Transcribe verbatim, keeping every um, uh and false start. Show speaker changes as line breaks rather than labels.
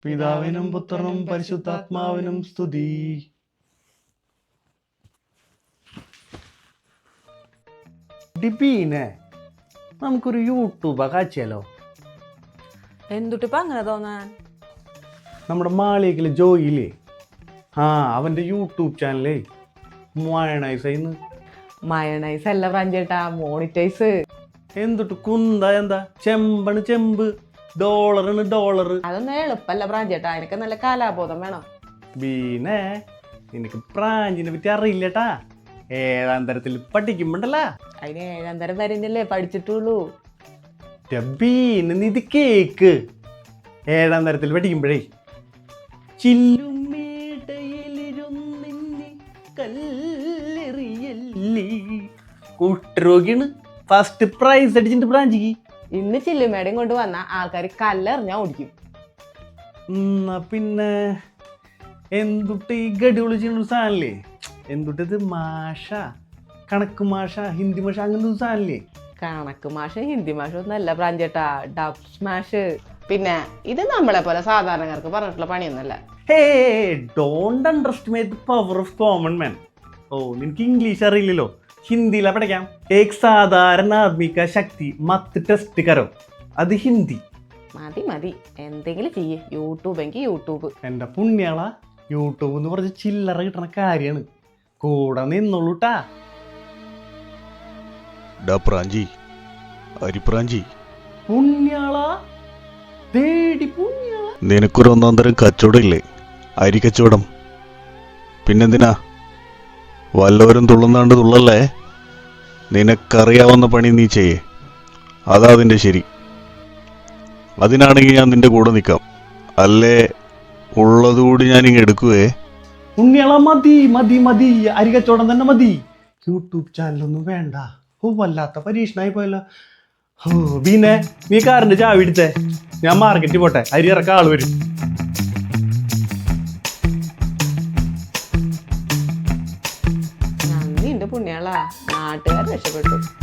പിതാവിനും പുത്രനും പരിശുദ്ധാത്മാവിനും സ്തുതി. ഡിബീനെ നമുക്കൊരു യൂട്യൂബ് കാച്ചിയാലോ?
എന്തുട്ടിപ്പ അങ്ങനെ തോന്നാൻ?
നമ്മുടെ മാളികയിലെ ജോയില്ലേ, ആ അവന്റെ യൂട്യൂബ് ചാനലേ മയണൈസ്
മയണൈസ് അല്ല പ്രാഞ്ചേട്ടാ, മോണിറ്റൈസ്.
എന്തുട്ട് കുന്ത എന്താ ചെമ്പണ് ചെമ്പ്, ഡോളറാണ് ഡോളർ.
അതൊന്നും എളുപ്പല്ല പ്രാഞ്ചേട്ടാ, എനിക്ക് നല്ല കാലാബോധം വേണം.
ബീനെ നിനക്ക് പ്രാഞ്ചിനെ പറ്റി അറിയില്ലട്ടാ, ഏഴാം തരത്തിൽ പഠിക്കുമ്പോണ്ടല്ല.
അതിന് ഏഴാം തരം വരെയല്ലേ പഠിച്ചിട്ടുള്ളൂ.
ബീന് നീ ഇത് കേക്ക്, ഏഴാം തരത്തിൽ പഠിക്കുമ്പോഴേ കുട്ടരോഗിയാണ് ഫസ്റ്റ് പ്രൈസ് അടിച്ചിട്ട് ബ്രാഞ്ചിക്ക്.
ഇന്ന് ചില്ലുമേടയും കൊണ്ട് വന്ന ആൾക്കാർ കല്ലെറിഞ്ഞാ ഓടിക്കും.
എന്നാ പിന്നെ എന്തുട്ട് ഈ ഗഡി വിളിച്ചിട്ടൊരു സാധനല്ലേ, എന്തുട്ടത് മാഷ, കണക്ക് മാഷ, ഹിന്ദി മാഷ, അങ്ങനത്തെ ഒരു സാധനല്ലേ?
കണക്ക് മാഷ ഹിന്ദി മാഷ ഒന്നല്ല പ്രാഞ്ചേട്ടാ, ഡബ് സ്മാഷ്. പിന്നെ ഇത് നമ്മളെ പോലെ സാധാരണക്കാർക്ക് പറഞ്ഞിട്ടുള്ള പണിയൊന്നല്ല.
Hey, don't underestimate the power of common man. ഓ, നിനക്ക് ഇംഗ്ലീഷ് അറിയില്ലല്ലോ, ഹിന്ദിയിലാ പഠിക്കാം. ഏക് സാധാരണ ആദ്മി കാ ശക്തി മത്ത് ടെസ്റ്റ് കരോ, അത് ഹിന്ദി.
മതി മതി, എന്തെങ്കിലും ചെയ്യേ. യൂട്യൂബ് എങ്കിൽ യൂട്യൂബ്.
എൻ്റെ പുണ്യാള, യൂട്യൂബ് എന്ന് പറഞ്ഞ ചില്ലറ കിട്ടണ കാര്യമാണ്, കൂടെ നിന്നോളൂട്ടാ.
പ്രാഞ്ചി അരിപ്രാഞ്ചി
പുണ്യാള, ദേടി പുണ്യാള,
നിനക്കൊരു ഒന്നാം തരം കച്ചവടം ഇല്ലേ, അരി കച്ചവടം. പിന്നെന്തിനാ വല്ലവരും തുള്ളുന്നാണ്ട് തുള്ളല്ലേ? നിനക്കറിയാവുന്ന പണി നീ ചെയ്യേ, അതാ അതിൻ്റെ ശരി. അതിനാണെങ്കിൽ ഞാൻ നിന്റെ കൂടെ നിൽക്കാം, അല്ലേ ഉള്ളതുകൂടി ഞാനിങ്ങ് എടുക്കുവേ.
പുണ്യാള മതി മതി മതി, അരി കച്ചവടം തന്നെ മതി, യൂട്യൂബ് ചാനലൊന്നും വേണ്ട. ഓ, വല്ലാത്ത പരീക്ഷണായി പോയല്ലോ. ഓ പിന്നെ നീ കാറിന്റെ ചാവി എടുത്തേ, ഞാൻ മാർക്കറ്റിൽ പോട്ടെ, അരി ഇറക്കാൻ ആള് വരും.
നന്ദിയുണ്ട് പുണ്യാളാ, നാട്ടുകാർ രക്ഷപ്പെട്ടു.